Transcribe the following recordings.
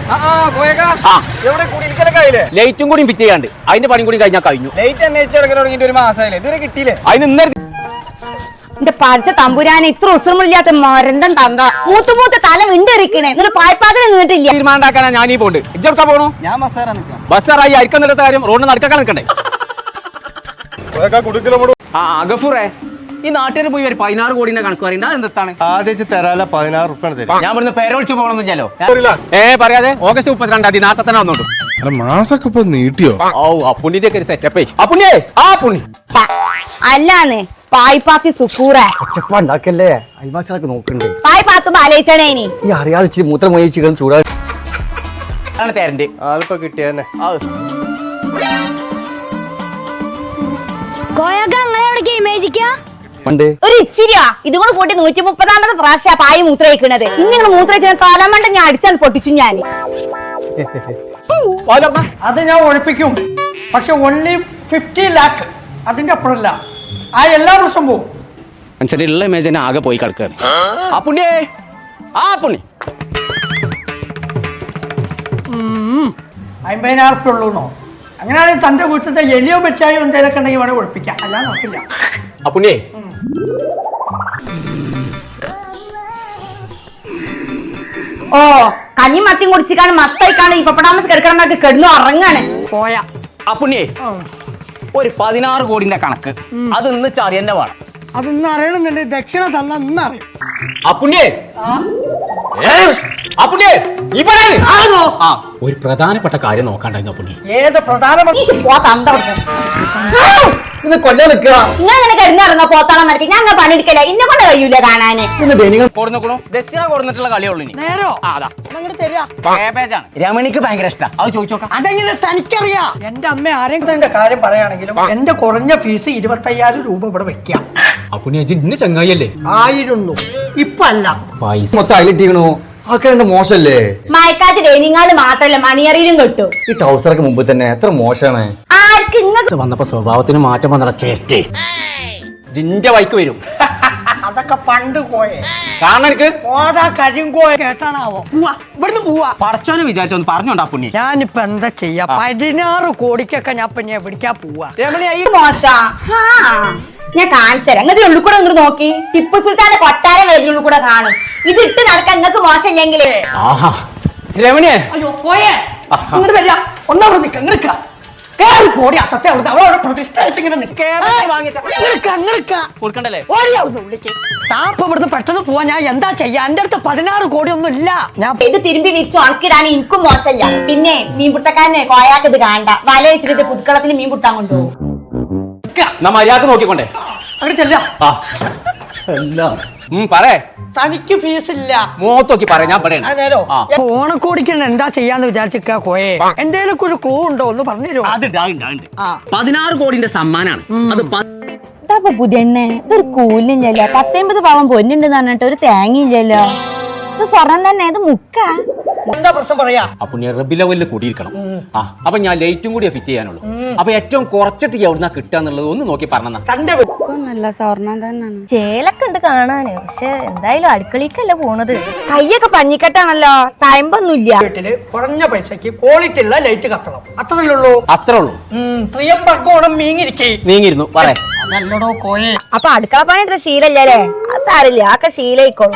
ലൈറ്റും കൂടി ഫിറ്റ് ചെയ്യാണ്ട് അതിന്റെ പണി കൂടി കഴിഞ്ഞാൽ കഴിഞ്ഞു. ഒരു മാസമായില്ലേ ഇതുവരെ കിട്ടിയില്ലേ? അതിന് ഇന്നലെ എന്റെ പഠിച്ച തമ്പുരാനെ ഇത്ര ഉസരമില്ലാത്ത മരന്തം തന്ത മൂത്ത് തല വിണ്ടെറിക്കണേ എന്നിട്ട് പായ്പാതിൽ നിന്നിട്ടില്ല. തീരുമാനമാക്കാനാ ഞാനീ പോണ്ട്. ഇജ്ജെടുക്കാൻ പോകണു? ഞാൻ ബസ്സാറാ നിൽക്കാം. ബസ്സാറായി അരിക്കാൻ നിൽക്കുന്ന കാര്യം റോഡിന് നടക്കാൻ നിൽക്കണ്ടേ? ഗഫൂറേ, ഈ നാട്ടിൽ പോയി ഒരു 16 കോടിന്റെ കണക്ക് പറയണ്ട. എന്താണ് ഞാൻ ഇവിടുന്ന് പേരൊളിച്ച് പോകണമെന്നില്ലല്ലോ. പറയാതെ ഓഗസ്റ്റ് 32 നാട്ടെ തന്നെ വന്നോട്ടു. മാസൊക്കെ ഇപ്പൊ നീട്ടിയോ? ഓ അപ്പുണ്ണിന്റെ ഒക്കെ ഒരു സെറ്റപ്പ്. അപ്പുണ്ണിയേ ആ പുണ്ണി അല്ലാന്ന് പായ്പാത്തി സുക്കൂറേ ഉണ്ടാക്കല്ലേ അയൽവാസികളൊക്കെ നോക്കണ്ടേ? പായ്പാത്തുമ്പോ ആലോചിച്ചണേ ഇനി ഈ അറിയാതെ ഇച്ചിരി മൂത്രം മൊഴിച്ചിട്ട് ചൂടാ തരണ്ട്. അതിപ്പോ കിട്ടിയെന്നെ. ഒരു ഇച്ചിരിയാ ഇതും കൂടെ കൂട്ടി 130ാമത് പ്രാവശ്യ പായി മൂത്രയിക്കണത്. ഇങ്ങനെ മൂത്രയിച്ച തലമണ്ട ഞാൻ അടിച്ചാൽ പൊട്ടിച്ചു. ഞാൻ അത് ഞാൻ ഒഴിപ്പിക്കും. പക്ഷെ ഓൺലി 50 lakh. അതിന്റെ അപ്പുറമല്ല. ആ എല്ലാ പ്രശ്നം പോവും. ഉള്ള ഇമേജിനെ ആകെ പോയി കിടക്കാണ്. ആ പുണ്യേ ആ പുണ്ണി 50,000 ഉള്ളൂന്നോ? അങ്ങനെയാണെങ്കിൽ തന്റെ വീട്ടിലത്തെ എലിയോ വെച്ചായോ എന്തെങ്കിലുമൊക്കെ ഉണ്ടെങ്കിൽ വേണേൽ ഒഴിപ്പിക്കാം. അല്ലാതെ നോക്കില്ല. ആ പുണ്യേ ഓ കഞ്ഞി മത്തിയും കുടിച്ചിക്കാണ് മത്തായിക്കാണ് ഈ പപ്പടാമസ് കിടക്കണമൊക്കെ കിടന്നു ഉറങ്ങാണ്. പോയാ ആ പുണ്യേ ഒരു 16 കോടിന്റെ കണക്ക് അത് ഇന്ന് ചറിയന്നെ വേണം. അതൊന്നും അറിയണമെന്നുണ്ടെങ്കിൽ ദക്ഷിണ തന്ന ഇന്നറിയും. ഒരു പ്രധാനപ്പെട്ട കാര്യം നോക്കാണ്ടായിരുന്നു പുണ്ണി. ഏത് പ്രധാനമന്ത്രി ഇത് കൊല്ലാൻ നിൽക്കുക. ഇങ്ങനെ കിടന്നിറങ്ങാ പോത്താളം നടത്തി ഞാൻ പണിയെടുക്കല. ഇന്നെ കൊണ്ട് കഴിയൂല കാണാന്. ദക്ഷിണ കൊടുത്തിട്ടുള്ള കളിയുള്ളൂ. നേരോ രമണിക്ക് ഭയങ്കര ഇഷ്ടം. അത് ചോദിച്ചോക്കാം. അതെങ്ങനെ തനിക്കറിയാം? എന്റെ അമ്മ ആരെങ്കിലും കാര്യം പറയുകയാണെങ്കിലും എന്റെ കുറഞ്ഞ ഫീസ് 25,000 രൂപ ഇവിടെ വെക്കാം. ഇന്ന് ചങ്ങായിയല്ലേ ആയിരുന്നു. ഇപ്പൊ അല്ല. പൈസ മൊത്തം അയലിട്ടിക്കണു. ആൾക്കാരുടെ മോശല്ലേ? മയക്കാറ്റ് ഡൈനിങ്ങാള് മാത്രല്ല മണിയറിയിലും കിട്ടും. ഈ ടൗസറൊക്കെ മുമ്പ് തന്നെ എത്ര മോശമാണ്. ആർക്ക് ഇങ്ങക്ക് വന്നപ്പോ സ്വഭാവത്തിന് മാറ്റം വന്ന ചേട്ടേ ജിന്റെ വൈക്ക് വരും. അതൊക്കെ പണ്ട് പോയേ. കാരണം എനിക്ക് പോതാ കരിങ്കോയ കേട്ടാണാവോ? ഇവിടുന്ന് പോവാ. പടച്ചോനെ വിചാരിച്ചൊന്ന് പറഞ്ഞോണ്ടാ പുണ്ണി. ഞാനിപ്പോ എന്താ ചെയ്യാ? 16 കോടിക്കൊക്കെ ഞാൻ പിന്നെ എവിടേക്കാ പോവാ? മോശ ഞാൻ കാണിച്ചരാം. അങ്ങനത്തെ ഉള്ളിൽ കൂടെ ഇങ്ങോട്ട് നോക്കി ടിപ്പു സുൽത്താന്റെ കൊട്ടാരം വരുന്നുള്ളിൽ കൂടെ കാണും. ഇത് ഇട്ട് നടക്കാൻ നിങ്ങൾക്ക് മോശമില്ലെങ്കിൽ രമണിയെ അയ്യോ പോയേ ഇങ്ങോട്ട് വരിക. ഒന്നവിടെ നിൽക്ക നിൽക്ക കേറി പോടി. അസത്യം അവിടുത്തെ അവളവിടെ പ്രതിഷ്ഠിച്ചിങ്ങനെ കൊടുക്കണ്ടല്ലേ? ഓടി അവിടുന്ന് ഉള്ളിക്ക്. താപ്പ് ഇവിടുന്ന് പെട്ടെന്ന് പോവാ. ഞാൻ എന്താ ചെയ്യാ? എന്റെ അടുത്ത് 16 കോടി ഒന്നും ഇല്ല. ഞാൻ ഇത് തിരുമ്പി വിരിച്ച് ഉണക്കിടാൻ എനിക്കും മോശമില്ല. പിന്നെ മീൻപിടുത്തക്കാരനെ കോയാക്ക് ഇത് കാണണ്ട. വല വെച്ചിട്ട് ഇത് പുതുക്കളത്തിൽ മീൻ പിടുത്താൻ കൊണ്ടുപോകും. മര്യാദ നോക്കിക്കൊണ്ടേ അവിടെ ചെല്ല. പറേ തനിക്ക് ഫീസ് ഇല്ല. മോത്തോക്കി പറയാ. ഞാൻ പറയാം ഓണക്കോടിക്ക് എന്താ ചെയ്യാന്ന് വിചാരിച്ചിക്കാ കോയെ? എന്തേലും ഒരു ക്ലൂ ഉണ്ടോ ഒന്ന് പറഞ്ഞുതരോ? അത് 16 കോടിന്റെ സമ്മാനാണ്. അത് പുതിയ ഇതൊരു കൂലില്ലല്ലോ. 19 പാവം പൊന്നുണ്ടെന്ന് പറഞ്ഞിട്ട് ഒരു തേങ്ങയില്ലല്ലോ. ഇത് സ്വർണം തന്നെ. ഇത് മുക്ക എന്താ പ്രശ്നം പറയാ? അപ്പൊ റബി ലെവലിൽ കൂടിയിരിക്കണം. അപ്പൊ ഞാൻ ലൈറ്റും കൂടി ഫിറ്റ് ചെയ്യാനുള്ളൂ. അപ്പൊ ഏറ്റവും കുറച്ചിട്ട് എവിടുന്നാ കിട്ടാന്നുള്ളത് ഒന്ന് നോക്കി പറഞ്ഞ. നല്ല സ്വർണം തന്നെയാണ്. ചേലൊക്കെ ഉണ്ട് കാണാന്. പക്ഷെ എന്തായാലും അടുക്കളേക്കല്ല പോണത്. കയ്യൊക്കെ പഞ്ഞിക്കെട്ടാണല്ലോ. തയമ്പൊന്നുമില്ല. വീട്ടില് കുറഞ്ഞ പൈസക്ക് ക്വാളിറ്റി ഉള്ള ലൈറ്റ് കത്തണം. അത്രല്ലേ ഉള്ളൂ. അത്രേ ഉള്ളൂ. ത്രിയമ്പക്കോണം നീങ്ങിയിരുന്നു പറേ. നല്ലടോ കോയെ. അപ്പൊ അടുക്കള പണി എടുത്ത ശീലല്ലേ? അത് സാരില്ല. ആക്കെ ശീലയിക്കോളും.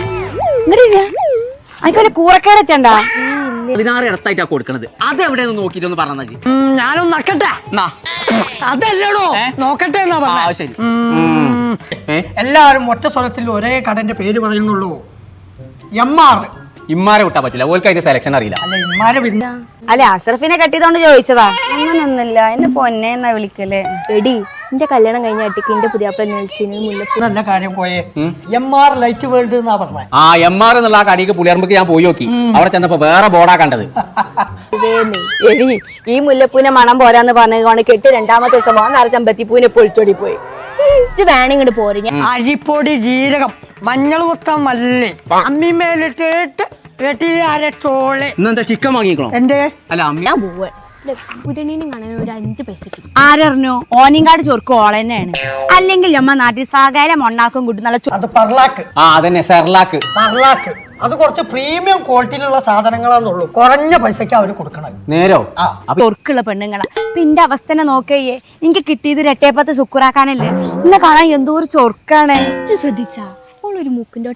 അതിന്റെ കൂറക്കേടറ്റണ്ട 16 ഇടത്തായിട്ടാ കൊടുക്കണത്. അത് എവിടെയെന്ന് നോക്കിട്ടൊന്ന് പറഞ്ഞാ. ഞാനൊന്ന് നക്കട്ടെ. അതല്ലടോ നോക്കട്ടെ എന്നാ പറഞ്ഞ. ശരി. എല്ലാവരും ഒറ്റ സ്വരത്തിൽ ഒരേ കടന്റെ പേര് പറയുന്നുള്ളൂ. MR. ഇമ്മാരെ വിട്ടാ പറ്റില്ല. ഓൾക്ക് അതിന്റെ സെലക്ഷൻ അറിയില്ല. അല്ല ഇമ്മാരെ പിന്നെ അല്ലെ അഷ്റഫിനെ കെട്ടിയതുകൊണ്ട് ചോദിച്ചതാ. അങ്ങനൊന്നുമില്ല. എന്നെ പൊന്നെ എന്നാ വിളിക്കല്ലേ. എടി എന്റെ കല്യാണം കഴിഞ്ഞ അട്ടിക്ക് എന്റെ പുതിയാപ്പ മുല്ലപ്പൂ. നല്ല കാര്യം പോയേ. MR ലൈറ്റ് വേൾഡ് എന്നാ പറഞ്ഞത്. MR എന്നുള്ള ആ കടിക്ക് പുളിയർമ്പക്ക് ഞാൻ പോയി നോക്കി. അവിടെ ചെന്നപ്പോ വേറെ ബോർഡാ കണ്ടത്. എടി ഈ മുല്ലപ്പൂനെ മണം പോരാന്ന് പറഞ്ഞുകൊണ്ട് കെട്ടി 2ാമത്തെ ദിവസം ചെമ്പത്തിപ്പൂനെ പൊളിച്ചോടി പോയി. വേണിങ്ങോട്ട് പോരെ. അരിപ്പൊടി, ജീരകം, മഞ്ഞൾ കുത്തം, മല്ലി അമ്മിമേലിട്ടിട്ട് അരച്ചോളെ. ഇന്നെന്താ ചിക്കൻ വാങ്ങിക്കണോ? എന്തേ? അല്ല ഞാൻ പോവാ. പുതിയണീനും കാണാൻ ഒരു 5 പൈസക്ക്. ആരറിഞ്ഞു? ഓനിങ്കാട് ചൊർക്ക് ഓളന്നെയാണ്. അല്ലെങ്കിൽ അമ്മ നാട്ടിൽ സകല മൊണ്ണാക്കും കൂട്ടി നല്ല അത് പറലാക്ക്. അതന്നെ സെർലാക്ക്. പറലാക്ക് അത് കുറച്ച് പ്രീമിയം ക്വാളിറ്റിയിലുള്ള സാധനങ്ങളാന്നുള്ളൂ, കുറഞ്ഞ പൈസക്ക് അവര് കൊടുക്കണത്. നേരോ ചൊർക്കുള്ള പെണ്ണുങ്ങളാ. പിന്നെ അവസ്ഥ നോക്കയ്യേ, എനിക്ക് കിട്ടിയത് രട്ടേപ്പത്ത് ശുക്രാക്കാനല്ലേ. എന്നെ കാണാൻ എന്തോ ഒരു ചൊർക്കാണ്. ശ്രദ്ധിച്ചാ ഓളൊരു മൂക്കിന്റെ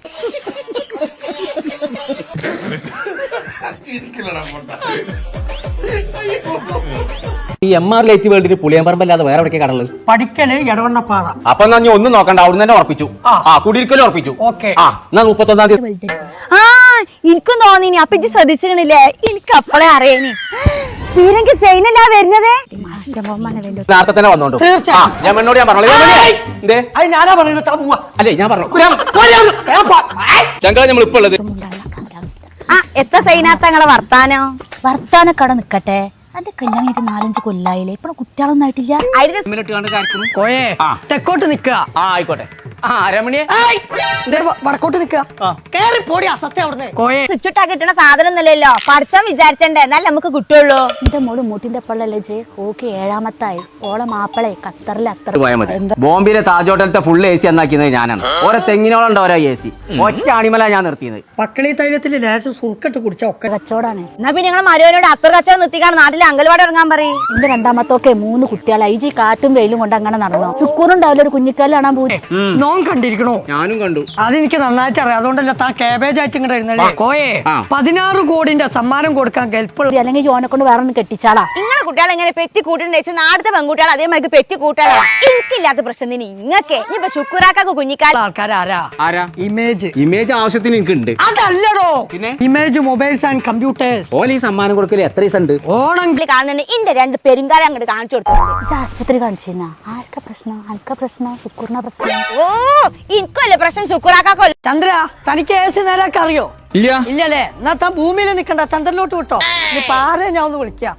ഈ MR ലൈറ്റ് വേൾഡിന് പുളിയമ്പറമ്പല്ലാതെ വേറെ എവിടേക്ക് കടല്? പഠിക്കല് എടവണ്ണപ്പാറ. അപ്പൊ എന്നാ നീ ഒന്നും നോക്കണ്ട, അവിടുന്ന് തന്നെ ഉറപ്പിച്ചു. കുടിയിരിക്കലും ഉറപ്പിച്ചു. ഓക്കെ. എന്നാ 31-ാം തീയതി. എനിക്കും തോന്നിനി. അപ്പൊ ഇത് ശ്രദ്ധിച്ചില്ലേ, എനിക്ക് അപ്പളെ അറിയാനി. തീരെങ്കിൽ സൈനല്ല വരുന്നതേ. നേരത്തെ തന്നെ വന്നോണ്ടു. തീർച്ചയായും. ഞാൻ എന്നോട് ഞാൻ പറഞ്ഞു എന്തേ അത് ഞാനാ പറയുന്നത്, താ പോവാ. അല്ലേ ഞാൻ പറഞ്ഞു ചങ്കള നമ്മൾ ഇപ്പൊ ഉള്ളത്. എത്ര സൈനാത്തങ്ങളെ വർത്താനക്കട നിക്കട്ടെ. എന്റെ കല്യാണം കഴിഞ്ഞിട്ട് 4-5 കൊല്ലായില്ലേ, ഇപ്പൊ കുട്ടികളൊന്നും ആയിട്ടില്ല. കോയെ തെക്കോട്ട് നിക്കുക. ആയിക്കോട്ടെ. രമണിയെ വടക്കോട്ട് നിക്കുക. കേറി പോടിയാ സത്യം അവിടുന്ന്. കോയെ സ്വിച്ചിട്ടാ കിട്ടണ സാധനം ഒന്നുമില്ലല്ലോ. പഠിച്ചാൻ വിചാരിച്ചണ്ടേ, എന്നാലും നമുക്ക് കിട്ടുള്ളൂ. എന്റെ മോള് മൂട്ടിന്റെ പള്ളല്ലേ ജെ, ഓക്കെ 7ാമത്തായി. ഓളെ മാപ്പിളെ ഖത്തറിൽ അത്ര പോയാൽ മതി. ബോംബെയിലെ താജ് ഹോട്ടലത്തെ ഫുൾ AC എന്നാക്കിയത് ഞാനാണ്. ഓരോ തെങ്ങിനോളം ഓരോ AC. ഒറ്റ അണിമല ഞാൻ നിർത്തിയത്. പക്കളി തൈലത്തിൽ ലേശം സുർക്കിട്ട് കുടിച്ച ഒക്കെ കച്ചവടാണ്. എന്നാ പിന്നെ ഞങ്ങൾ മരുവനോട് അത്ര കച്ചവടം നിർത്തിക്കാണ് നാട്ടിലെ അങ്കൽവാടി ഇറങ്ങാൻ പറയും. എന്റെ 2ാമത്തൊക്കെ 3 കുട്ടികളായി. ഈ കാറ്റും വെയിലും കൊണ്ട് അങ്ങനെ നടന്നു. ശുക്കൂറുണ്ടാവില്ല ഒരു കുഞ്ഞിക്കാല് കാണാൻ പോയി. നോൻ കണ്ടിരിക്കണോ? ഞാനും കണ്ടു. അതെനിക്ക് നന്നായിട്ട് അറിയാം. അതുകൊണ്ടല്ല താൻ കേബേജ് ആയിട്ട് ഇങ്ങോട്ട് ഇരുന്നല്ലേ. കോയെ 16 കോടിന്റെ സമ്മാനം കൊടുക്കാൻ കെൽപ്പുള്ള അല്ലെങ്കിൽ ജോനെ കൊണ്ട് വേറെ ഒന്ന് കെട്ടിച്ചാളാ. നിങ്ങളെ കുട്ടികളെ എങ്ങനെ പെറ്റി കൂട്ടുണ്ടെന്ന് നാടത്തെ പെൺകുട്ടികൾ അതേമാതിരി പെറ്റി കൂട്ടാളാ. എനിക്കില്ലാത്ത പ്രശ്നം തന്നെ ഇങ്ങക്കെ. ഇനിയിപ്പൊ ശുക്രാക്കൊക്കെ കുഞ്ഞിക്കാല ആൾക്കാരാരാ? ആരാ? ഇമേജ് ആവശ്യത്തിന് എനിക്ക് ഉണ്ട്. അതല്ലടോ, പിന്നെ ഇമേജ് മൊബൈൽസ് ആൻഡ് കമ്പ്യൂട്ടേഴ്സ്. ഓലി സമ്മാനം കൊടുക്കല് എത്ര ദിവസം ഉണ്ട്? ഓണം കാണുന്നുണ്ട്. ഇന്റെ 2 പെരുങ്കാലം അങ്ങോട്ട് കാണിച്ചു കൊടുത്തിട്ടുണ്ട്. ആശുപത്രി കാണിച്ചിരുന്ന ആർക്കാ പ്രശ്നം? അനക്ക പ്രശ്നം, ശുക്കൂറിന പ്രശ്നം. ഓ എനിക്കല്ലേ പ്രശ്നം, ശുക്രാക്കോ. ചന്ദ്ര, തനിക്ക് ഏസ് നേരൊക്കെ അറിയോ? ഇല്ല. ഇല്ലല്ലേ? എന്നാ താൻ ഭൂമിയിൽ നിൽക്കണ്ട, ചന്ദ്രനിലോട്ട് വിട്ടോ. ഇനി പാരെ ഞാൻ ഒന്ന് വിളിക്കാം.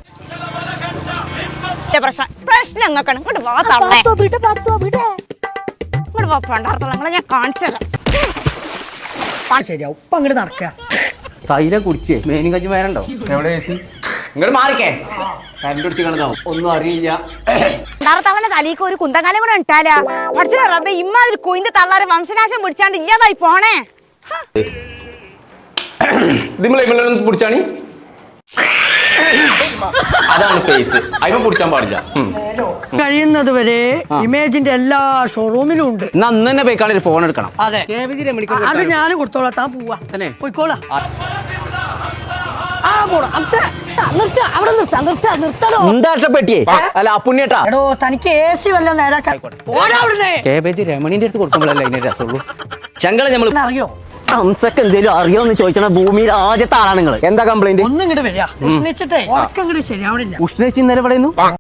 പ്രശ്നം അങ്ങക്കാണ്. ഇങ്ങോട്ട് വാ തള്ളേ. ഇങ്ങോട്ട് വാ പണ്ടാർത്തങ്ങളെ ഞാൻ കാണിച്ചത്. ശരിയാവും. ഇപ്പൊ അങ്ങോട്ട് നടക്കുക. തൈലം കുടിച്ചേ മേനും കഞ്ഞി വേരണ്ടോ? എവിടെ ഇങ്ങോട്ട് മാറിക്കേ. കരണ്ട് പിടിച്ച് കിടന്നാവും, ഒന്നും അറിയില്ല. പണ്ടാർത്തവന്റെ തലീക്ക് ഒരു കുന്തകാലം കൂടെ ഇട്ടാലാ. പഠിച്ചോ റബ്ബേ, ഇമ്മാതിരി കുയിന്റെ തള്ളാരെ വംശനാശം പിടിച്ചാണ്ട് ഇല്ലാതായി പോണേ. പിടിച്ചാണി അതാണ് ഫേസ്. അതിനെ പിടിച്ചാൻ പാടില്ല. കഴിയുന്നത് വരെ ഇമേജിന്റെ എല്ലാ ഷോറൂമിലും ഉണ്ട്. അന്ന് തന്നെ പോയിക്കാളെ ഫോൺ എടുക്കണം. അതെ, അത് ഞാൻ കൊടുത്തോളാം. താൻ പോവാ തന്നെ പോയിക്കോളാം. അവിടെ പെട്ടിയേ അല്ല അപ്പുണ്ണിയേട്ടാ. എടോ, തനിക്ക് AC വല്ല നേരാക്കാൻ കേബേജ് രമണിന്റെ അടുത്ത് കൊടുക്കുമ്പോഴല്ലേ അതിന്റെ രസമുള്ളൂ. ചങ്കള നമ്മൾ അറിയോ? ഹംസക്ക് എന്തേലും അറിയോന്ന് ചോദിച്ചാൽ ഭൂമിയിൽ ആദ്യത്തെ ആളാണ് നിങ്ങൾ. എന്താ കംപ്ലൈന്റ്? ഒന്നും ഇങ്ങോട്ട് വരിക. ഉഷ്ണിച്ചിട്ടേ ഉറക്കം ഇങ്ങോട്ട് ശരിയാവണില്ല. ഉഷ്ണിച്ച് ഇന്നലെ പറയുന്നു.